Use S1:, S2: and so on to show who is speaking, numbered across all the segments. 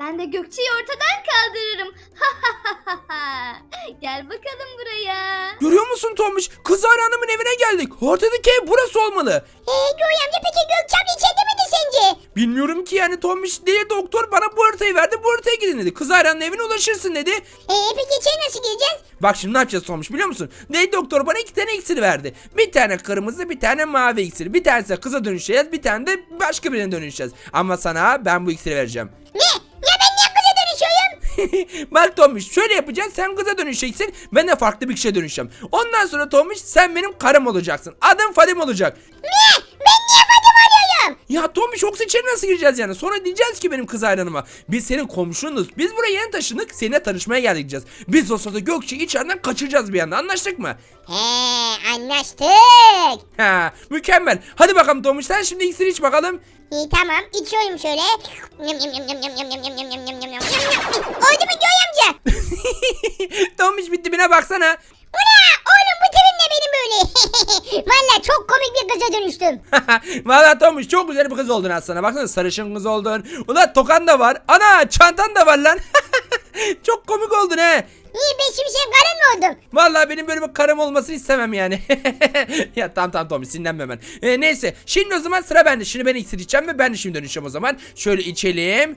S1: Ben de Gökçe'yi ortadan kaldırırım. Gel bakalım buraya.
S2: Görüyor musun Tombiş? Kız Hanım'ın evine geldik. Ortadaki ev burası olmalı.
S3: Göğe amca peki Gökçe abla içeride miydi sence?
S2: Bilmiyorum ki yani Tombiş değil, doktor bana bu haritayı verdi, bu haritaya gidin dedi. Kız Hanım'ın evine ulaşırsın dedi.
S3: Peki içeri nasıl gireceğiz?
S2: Bak şimdi ne yapacağız Tombiş biliyor musun? Değil doktor bana 2 tane iksir verdi. Bir tane kırmızı, bir tane mavi iksir. Bir tanesi kıza dönüşeceğiz, bir tane de başka birine dönüşeceğiz. Ama sana ben bu iksiri vereceğim.
S3: Ne? Ya ben niye kıza dönüşüyorum?
S2: Bak Tombiş şöyle yapacağız, sen kıza dönüşeceksin, ben de farklı bir kişiye dönüşeceğim. Ondan sonra Tombiş sen benim karım olacaksın. Adım Fadim olacak.
S3: Ne? Ben niye Fadim oluyorum?
S2: Ya Tombiş yoksa içeri nasıl gireceğiz yani? Sonra diyeceğiz ki benim kız hayranıma, biz senin komşunuz. Biz buraya yeni taşındık, seninle tanışmaya geldik diyeceğiz. Biz o sırada Gökçe'yi içeriden kaçıracağız bir anda, anlaştık mı?
S3: Anlaştık.
S2: Ha, mükemmel. Hadi bakalım Tombiş sen şimdi iksiri iç bakalım.
S3: İyi tamam içiyorum şöyle. Oldu mu Göğe amca?
S2: Tombiş bitti, bine baksana.
S3: Ula oğlum bu tipim ne benim böyle? Valla çok komik bir kıza dönüştüm.
S2: Valla Tombiş çok güzel bir kız oldun aslında. Baksana sarışın kız oldun. Ulan tokan da var. Ana çantan da var lan. Çok komik oldun he.
S3: İyi ben şimdi senin karın mı oldum?
S2: Vallahi benim böyle bir karım olmasını istemem yani. Ya tamam Tombiş sinirlenme hemen. Neyse şimdi o zaman sıra bende. Şimdi ben iksir içeceğim ve ben de şimdi dönüşeceğim o zaman. Şöyle içelim.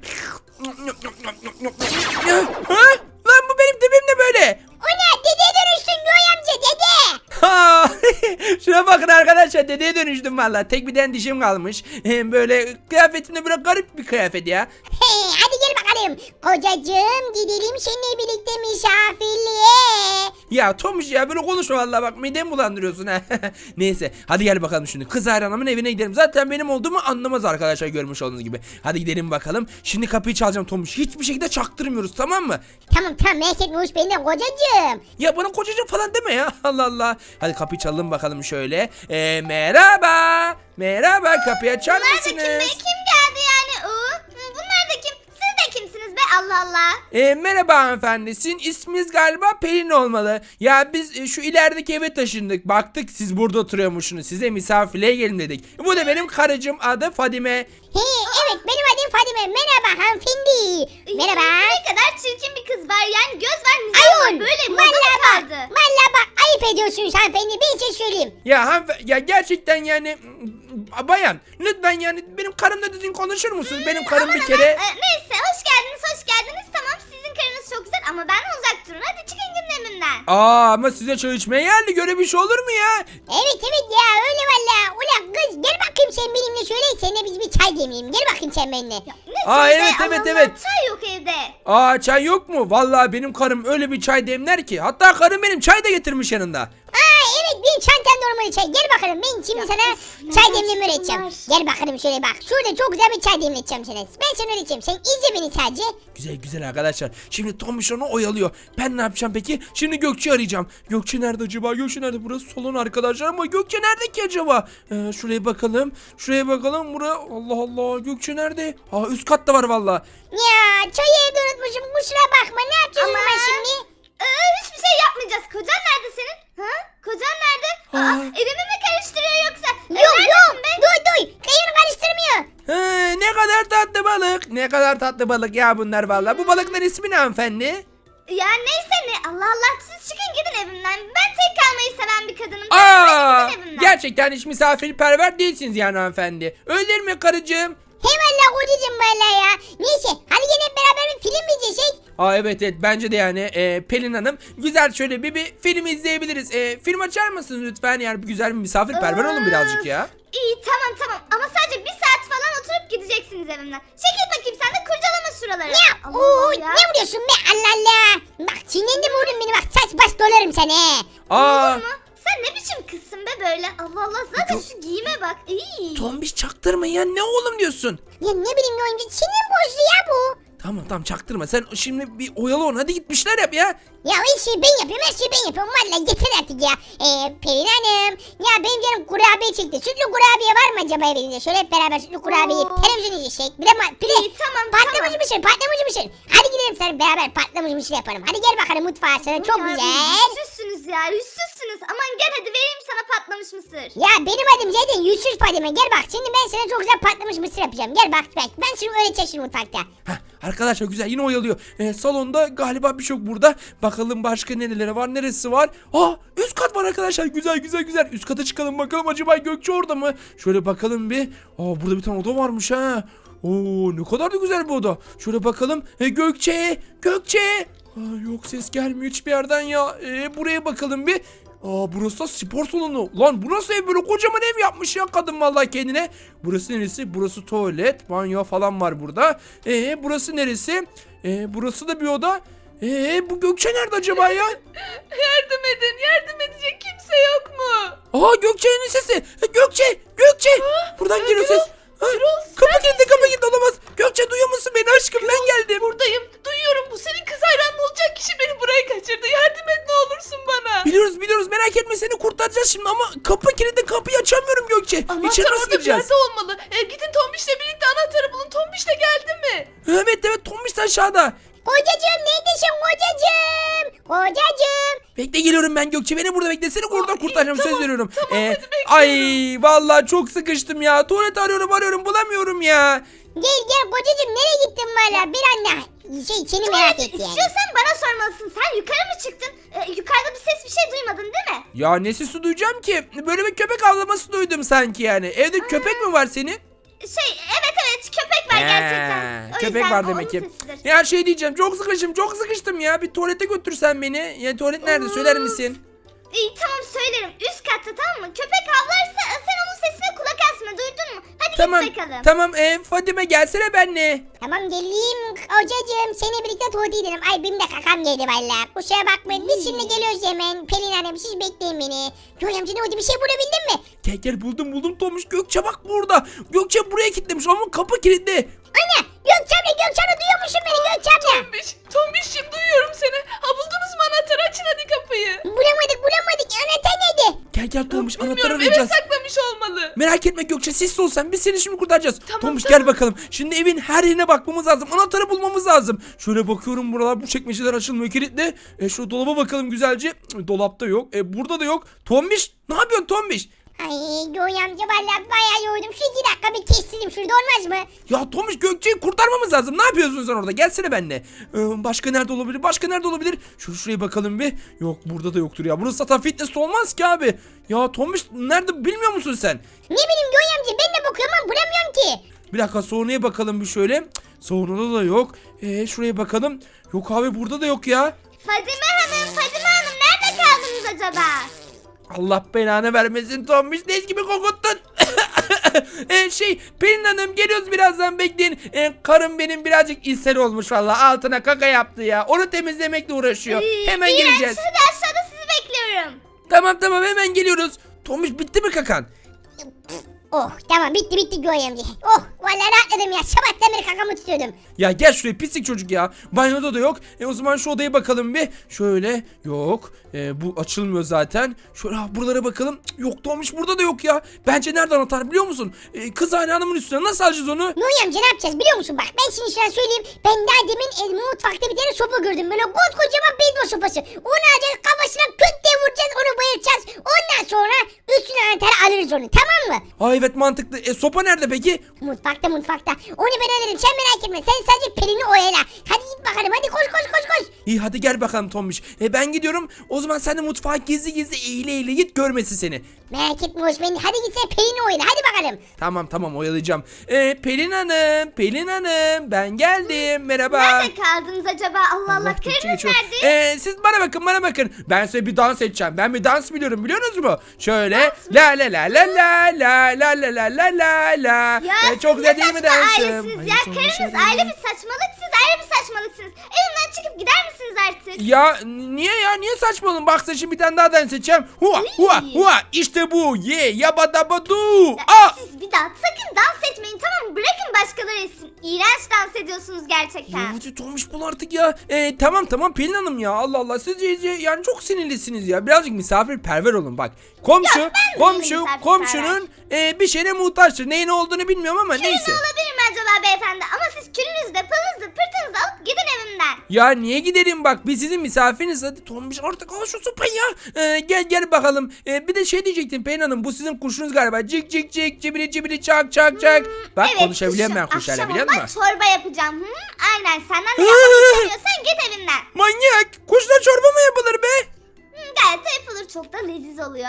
S2: Ha? Lan bu benim dibim ne böyle?
S3: Ula dedeye dönüştün Göğe amca dede.
S2: Ha! Şuna bakın arkadaşlar, dedeye dönüştüm valla. Tek bir tane dişim kalmış. Böyle kıyafetimde böyle garip bir kıyafet ya.
S3: Hadi gel bakalım. Kocacığım gidelim seninle birlikte misafirliğe.
S2: Ya Tomuş ya böyle konuşma valla, bak midemi bulandırıyorsun ha. Neyse hadi gel bakalım şimdi. Kız hayranımın evine gidelim. Zaten benim olduğumu anlamaz arkadaşlar, görmüş olduğunuz gibi. Hadi gidelim bakalım. Şimdi kapıyı çalacağım Tomuş. Hiçbir şekilde çaktırmıyoruz, tamam mı?
S3: Tamam merak etme hoş benim de kocacığım.
S2: Ya bana kocacığım falan deme ya. Allah Allah. Hadi kapıyı çalalım bakalım şöyle. Merhaba. Merhaba, kapıyı açar
S1: Bunlar da
S2: mısınız?
S1: kim be? Kim geldi yani? Bunlar da kim? Siz de kimsiniz be? Allah Allah.
S2: Merhaba hanımefendi. Sizin isminiz galiba Pelin olmalı. Ya biz şu ilerideki eve taşındık. Baktık siz burada oturuyormuşsunuz. Size misafirliğe gelin dedik. Bu da benim karıcığım, adı Fadime.
S3: Evet benim adım Fadime. Merhaba hanımefendi. Merhaba.
S1: Ne kadar çirkin bir kız var yani, göz var, mizah
S3: Ayol.
S1: var, böyle moda
S3: Valla bak.
S1: kaldı.
S3: Valla bak ayıp ediyorsunuz hanımefendi. Bir şey söyleyeyim.
S2: Ya ya gerçekten yani bayan lütfen yani benim karımla düzgün konuşur musunuz? Benim karım bir kere...
S1: Neyse hoş geldiniz. Tamam sizin karınız çok güzel ama ben uzak durun. Hadi çıkın gündemimden.
S2: Ama size çay içmeye geldi. Böyle bir şey olur mu ya?
S3: Evet ya öyle valla. Ulan kız gel bakayım sen benimle şöyle. Seninle biz bir çay demleyelim. Gel bakayım sen benimle.
S1: Ne
S2: Aa,
S1: çayı be?
S2: evet,
S1: Allah
S2: evet,
S1: Allah,
S2: evet.
S1: Çay yok evde.
S2: Çay yok mu? Vallahi benim karım öyle bir çay demler ki. Hatta karım benim çay da getirmiş yanında.
S3: Evet benim çantam normal çay. Gel bakalım ben şimdi sana çay
S1: nereden
S3: demleme öğreteceğim.
S1: çıktılar?
S3: Gel bakalım şöyle bak. Şurada çok güzel bir çay demleteceğim sana. Ben sana öğreteceğim. Sen izle beni sadece.
S2: Güzel arkadaşlar. Şimdi Tomuş onu oyalıyor. Ben ne yapacağım peki? Şimdi Gökçe'yi arayacağım. Gökçe nerede acaba? Gökçe nerede? Burası salon arkadaşlar ama Gökçe nerede ki acaba? Şuraya bakalım. Şuraya bakalım. Allah Allah. Gökçe nerede? Üst katta var valla.
S3: Ya çayı evde unutmuşum. Kusura bakma. Ne yapacağız
S1: Ama-
S3: ben şimdi?
S1: Hiçbir şey yapmayacağız. Kocan nerede senin? Ha? Kocan nerede? Evimi mi karıştırıyor yoksa?
S3: Yok
S1: Neredesin be?
S3: Duy. Kayını karıştırmıyor.
S2: Ne kadar tatlı balık. Ne kadar tatlı balık ya bunlar valla. Bu balıkların ismi ne hanımefendi?
S1: Ya neyse ne. Allah Allah, siz çıkın gidin evimden. Ben tek kalmayı seven bir kadınım.
S2: Aa,
S1: Gidin evimden.
S2: gerçekten hiç misafirperver değilsiniz yani hanımefendi. Öyle değil mi karıcığım?
S3: Eyvallah kocacığım valla ya. Neyse hadi gel hep beraber bir film mi izleyecek?
S2: Evet bence de yani Pelin Hanım güzel şöyle bir film izleyebiliriz. Film açar mısınız lütfen, yani güzel bir misafirperver olun birazcık ya.
S1: İyi tamam ama sadece bir saat falan oturup gideceksiniz evimden. Çekil bakayım, sen de kurcalama şuraları.
S3: Ya
S1: Allah
S3: ooo
S1: Allah
S3: ne vuruyorsun be Allah Allah. Bak sinirlendim oğlum beni bak saç baş dolarım seni.
S2: Aa,
S1: Olur mu? Sen ne biçim kızsın be böyle? Allah Allah, zaten şu giyime bak. İyi.
S2: Tombiş çaktırma ya, ne oğlum diyorsun?
S3: Ya ne bileyim oyuncu sinir bozdu ya bu.
S2: Tamam çaktırma, sen şimdi bir oyalı onu, hadi gitmişler yap ya.
S3: Ya her şeyi ben yapıyorum her şeyi ben yapıyorum valla yeter artık ya. Pelin Hanım ya benim canım kurabiye çekti. Sütlü kurabiye var mı acaba evinizde? Şöyle hep beraber sütlü kurabiye yiyip
S1: Oo.
S3: televizyon izleyecek. Bir de
S1: İyi, tamam,
S3: patlamış
S1: tamam.
S3: mısır. Hadi gidelim sana beraber patlamış mısır yapalım. Hadi gel bakalım mutfağa sana çok
S1: Ya,
S3: güzel.
S1: Yüzsüzsünüz ya, yüzsüzsünüz. Aman gel hadi vereyim sana patlamış mısır.
S3: Ya benim adım zaten yüzsüz Fadime. Gel bak şimdi ben sana çok güzel patlamış mısır yapacağım. Gel bak ben şimdi öğreteceğim şimdi mutfakta.
S2: Arkadaşlar güzel yine oyalıyor. Salonda galiba bir şey yok burada. Bakalım başka nereleri var, neresi var? Üst kat var arkadaşlar. Güzel güzel güzel. Üst kata çıkalım bakalım, acaba Gökçe orada mı? Şöyle bakalım bir. Burada bir tane oda varmış ha. Ne kadar da güzel bu oda. Şöyle bakalım. Gökçe! Gökçe! Yok, ses gelmiyor hiçbir yerden ya. Buraya bakalım bir. Burası da spor salonu. Lan bu nasıl ev, böyle kocaman ev yapmış ya kadın vallahi kendine. Burası neresi? Burası tuvalet, banyo falan var burada. Burası neresi? Burası da bir oda. Bu Gökçe nerede acaba ya?
S4: Yardım edin, yardım edecek kimse yok mu?
S2: Gökçe'nin sesi. Gökçe! Gökçe! Buradan geliyor ses. Kapı kilitli olamaz. Gökçe duyuyor musun beni aşkım? Ben geldim.
S4: Buradayım, duyuyorum. Bu senin kız hayranın olacak kişi beni buraya kaçırdı. Yardım et ne olursun bana.
S2: Biliyoruz merak etme, seni kurtaracağız şimdi ama kapı kilitli, kapıyı açamıyorum Gökçe. İçeri
S4: Anahtar
S2: nasıl
S4: orada bir
S2: gireceğiz?
S4: yerde olmalı. Gidin Tombiş'le birlikte anahtarı bulun. Tombiş de geldi mi?
S2: Evet Tombiş de aşağıda.
S3: Kocacığım neredesin kocacığım? Kocacığım.
S2: Bekle geliyorum ben Gökçe, beni burada bekle, seni oradan kurtaracağım, söz veriyorum.
S4: hadi bekliyorum.
S2: Ay vallahi çok sıkıştım ya, tuvalet arıyorum bulamıyorum ya.
S3: Gel kocacığım, nereye gittin valla? Bir anne. Seni merak etti yani.
S1: İstiyorsan bana sormalısın. Sen yukarı mı çıktın? Yukarıda bir ses, bir şey duymadın değil mi?
S2: Ya ne sesi duyacağım ki, böyle bir köpek avlaması duydum sanki yani. Evde köpek mi var senin?
S1: Evet köpek var gerçekten. O
S2: Köpek
S1: yüzden
S2: var
S1: o
S2: demek ki.
S1: onun sesidir.
S2: Ya şey diyeceğim, çok sıkıştım ya, bir tuvalete götürsen beni. Ya tuvalet nerede, söyler misin?
S1: İyi tamam söylerim. Üst katta, tamam mı? Köpek havlarsa sen onun sesine kulak asma, duydun mu? Hadi
S2: Tamam
S1: git bakalım.
S2: tamam Fadime gelsene benle.
S3: Tamam geleyim kocacığım, seni birlikte tuvalete gidelim. Ay benim de kakam geldi valla. Kusura bakmayın, biz şimdi geliyoruz hemen. Pelin Hanım siz bekleyin beni. Göğe amca ne oldu, bir şey bulabildin mi?
S2: Gel buldum Tomuş, Gökçe bak burada. Gökçe buraya kilitlemiş ama kapı kilitli.
S3: Anne Gökçem'le duyuyor musun beni Gökçem'le?
S4: Tombiş'cim duyuyorum seni. Buldunuz mu anahtarı? Açın hadi kapıyı.
S3: Bulamadık anahtar nerede?
S2: Gel Tomuş, anahtarı
S4: Bilmiyorum, eve
S2: arayacağız.
S4: saklamış olmalı.
S2: Merak etme Gökçe, sessiz ol sen, biz seni şimdi kurtaracağız.
S4: Tamam,
S2: Tomuş
S4: tamam.
S2: gel bakalım. Şimdi evin her yerine bakmamız lazım. Anahtarı bulmamız lazım. Şöyle bakıyorum, buralar, bu çekmeceler açılmıyor, kilitli. Şu dolaba bakalım güzelce. Dolapta yok. Burada da yok. Tombiş ne yapıyorsun Tombiş?
S3: Ay Göğe amca valla bayağı yoruldum. Şu 2 dakika bir kestireyim, şurada olmaz mı?
S2: Ya Tomuş, Gökçe'yi kurtarmamız lazım. Ne yapıyorsun sen orada? Gelsene benimle. Başka nerede olabilir? Şuraya bakalım bir. Yok, burada da yoktur ya. Burası zaten fitness olmaz ki abi. Ya Tomuş nerede, bilmiyor musun sen?
S3: Ne bileyim Göğe amca, ben de bakıyorum ama bulamıyorum ki.
S2: Bir dakika, sonraya bakalım bir şöyle. Sonrada da yok. Şuraya bakalım. Yok abi, burada da yok ya.
S1: Fadime Hanım nerede kaldınız acaba?
S2: Allah belanı vermesin Tombiş, leş gibi kokuttun. Pelin Hanım geliyoruz birazdan, bekleyin. Karım benim birazcık ishal olmuş valla, altına kaka yaptı ya. Onu temizlemekle uğraşıyor. Hemen
S1: İğrenç,
S2: geleceğiz.
S1: hadi aşağıda sizi bekliyorum.
S2: Tamam hemen geliyoruz. Tombiş bitti mi kakan?
S3: Oh tamam, bitti Göğe amca. Oh valla rahatladım ya, sabahtan beri kakamı tutuyordum.
S2: Ya gel şuraya pislik çocuk ya. Banyoda da yok. O zaman şu odaya bakalım bir. Şöyle yok. Bu açılmıyor zaten. Şöyle buralara bakalım. Cık, yok Tombiş, burada da yok ya. Bence nerede anahtar biliyor musun? Kız hanımın üstüne nasıl alacağız onu?
S3: Göğe amca ne yapacağız biliyor musun? Bak ben şimdi sana söyleyeyim. Ben daha demin mutfakta bir tane sopa gördüm. Böyle kocaman beyzbol sopası. Onu alacağız, kafasına küt diye vuracağız, onu bayılacağız. Ondan sonra üstüne anahtarı alırız onu, tamam mı?
S2: Evet mantıklı. Sopa nerede peki?
S3: Mutfakta. Onu ben alırım, sen merak etme. Sen sadece Pelin'i oyala. Hadi git bakalım, hadi koş.
S2: İyi hadi gel bakalım Tombiş. Ben gidiyorum. O zaman sen de mutfağa gizli eğile git, görmesin seni.
S3: Merak etme Osman, hadi git sen Pelin'i oyala, hadi bakalım.
S2: Tamam oyalayacağım. Pelin Hanım ben geldim. Merhaba.
S1: Nerede kaldınız acaba? Allah
S2: Gökçe
S1: karınız
S2: geçiyor.
S1: nerede?
S2: Siz bana bakın. Ben size bir dans edeceğim. Ben bir dans biliyorum, biliyorsunuz mu? Şöyle la la la la la la la la la la la.
S1: Ya
S2: Çok
S1: siz
S2: güzel
S1: ne
S2: değil mi
S1: saçma
S2: dansım?
S1: ailesiniz
S2: Ay,
S1: ya.
S2: sonra
S1: Karınız
S2: şöyle-
S1: aile bir saçmalık, siz ayrı bir saçmalıksınız. Evimden çıkıp gider misiniz artık?
S2: Ya niye saçmalıyorsun? Bak sen şimdi bir tane daha dans edeceğim. Hua işte bu. Ye yabadabadu. Aa!
S1: Siz bir daha sakın dans etmeyin, tamam mı? Bırakın başkaları etsin. İğrenç dans ediyorsunuz gerçekten.
S2: Ya hadi Tomuş bul artık ya. Tamam Pelin Hanım ya, Allah siz iyice yani çok sinirlisiniz ya. Birazcık misafirperver olun bak. Komşunun bir şeyine muhtaçtır. Neyin olduğunu bilmiyorum ama neyse.
S1: Olabilir mi acaba Galiba beyefendi ama siz külünüzü de pılınızı pırtınızı alıp gidin evimden.
S2: Ya niye gidelim bak biz sizin misafiriniz. Hadi Tombiş artık al şu sopayı ya. Gel bakalım. Bir de şey diyecektim Pelin Hanım, bu sizin kuşunuz galiba. Cik cik cik cibili cibili çak çak çak. Bak
S1: Evet,
S2: konuşabiliyorum ben
S1: kuşum.
S2: kuşlarla,
S1: Akşam
S2: biliyor
S1: olmaz
S2: musun?
S1: çorba yapacağım. Aynen senden de yapmak istemiyorsan git evinden.
S2: Manyak, kuşla çorba mı yapılır be?
S1: Gayet de yapılır, çok da leziz oluyor.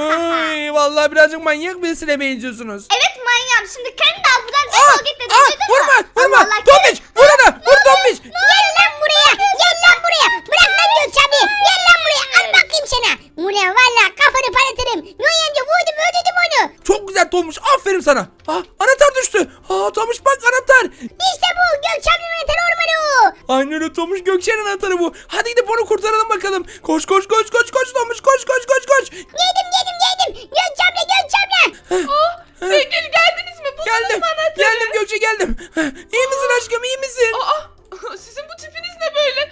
S2: Ay, vallahi birazcık manyak birisine benziyorsunuz.
S1: Evet manyağım, şimdi kendini de al buradan defol git de duydun mu?
S2: Vurma
S1: Allah Allah,
S2: Tombiş vur ona, vur Tombiş.
S3: Gel lan buraya. Gel lan buraya. Bırak lan Gökçe abi. Gel lan buraya. Al bakayım sana. Ulan valla kafanı parlatırım. Noy amca vurdum öldürdüm onu.
S2: Çok güzel Tombiş, aferin sana. Anahtar düştü. Tombiş bak anahtar.
S3: İşte bu Gökçe abinin anahtarı ormanı o.
S2: Aynen öyle Tombiş, Gökçe'nin anahtarı bu. Hadi gidip onu kurtaralım bakalım. Koş Tombiş, koş.
S3: Geldim. Gökçe abla.
S4: Sevgili geldiniz mi? Buldunuz
S2: Geldim.
S4: mu anahtarı?
S2: Geldim Gökçe, geldim. İyi misin aşkım, iyi misin?
S4: Sizin bu tipiniz ne böyle?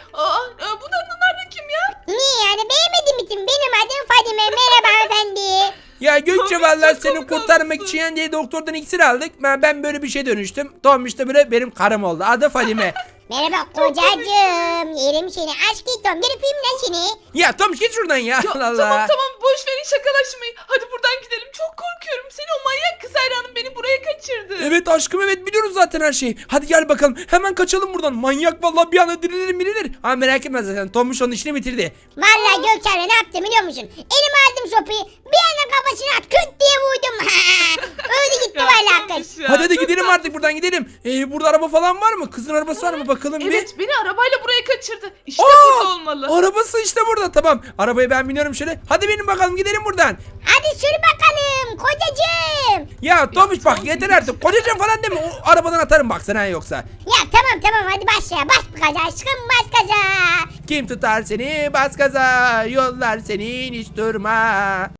S4: Bunlar da kim ya?
S3: Niye yani beğenmedin mi? Benim adım Fadime. Merhaba hanımefendi.
S2: Ya Gökçe
S4: Tombiş,
S2: vallahi
S4: çok
S2: seni
S4: komik
S2: kurtarmak
S4: olmuşsun.
S2: için diye doktordan iksir aldık. Ben böyle bir şey dönüştüm. Tombiş de böyle benim karım oldu. Adı Fadime.
S3: Merhaba kocacığım. Yerim seni. Aşk ettim. Gelip öpeyim lan seni.
S2: Ya Tombiş git şuradan ya. Allah Allah.
S4: Tamam boş verin şakalaşmayı. Hadi buradan gidelim. Çok korkuyorum. Seni o manyak kız hayranım beni buraya kaçırdı.
S2: Evet aşkım, evet biliyoruz zaten her şeyi. Hadi gel bakalım, hemen kaçalım buradan. Manyak vallahi bir anda dirilir. Merak etme zaten, Tombiş onun işini bitirdi.
S3: Vallahi Gökçe abla ne yaptım biliyor musun? Elime aldım sopayı. Bir anda kafasına küt diye vurdum. Öldü gitti
S4: Ya,
S3: vallahi
S4: Tombiş
S3: kız.
S4: ya,
S2: Hadi
S4: çok
S2: gidelim
S4: tatlı.
S2: artık buradan gidelim. Burada araba falan var mı? Kızın arabası var mı bakalım bir.
S4: Evet beni arabayla buraya kaçırdı. İşte
S2: Aa,
S4: burada olmalı.
S2: Arabası işte burada, tamam. Arabaya ben biniyorum şöyle. Hadi benim bakalım, gidelim buradan.
S3: Hadi sür bakalım kocacığım.
S2: Ya Tombiş bak yeter artık. Kocacığım falan deme. O arabadan atarım bak sana yoksa.
S3: Ya tamam hadi başla. Bas gaza aşkım bas gaza.
S2: Kim tutar seni bas gaza, yollar senin hiç durma.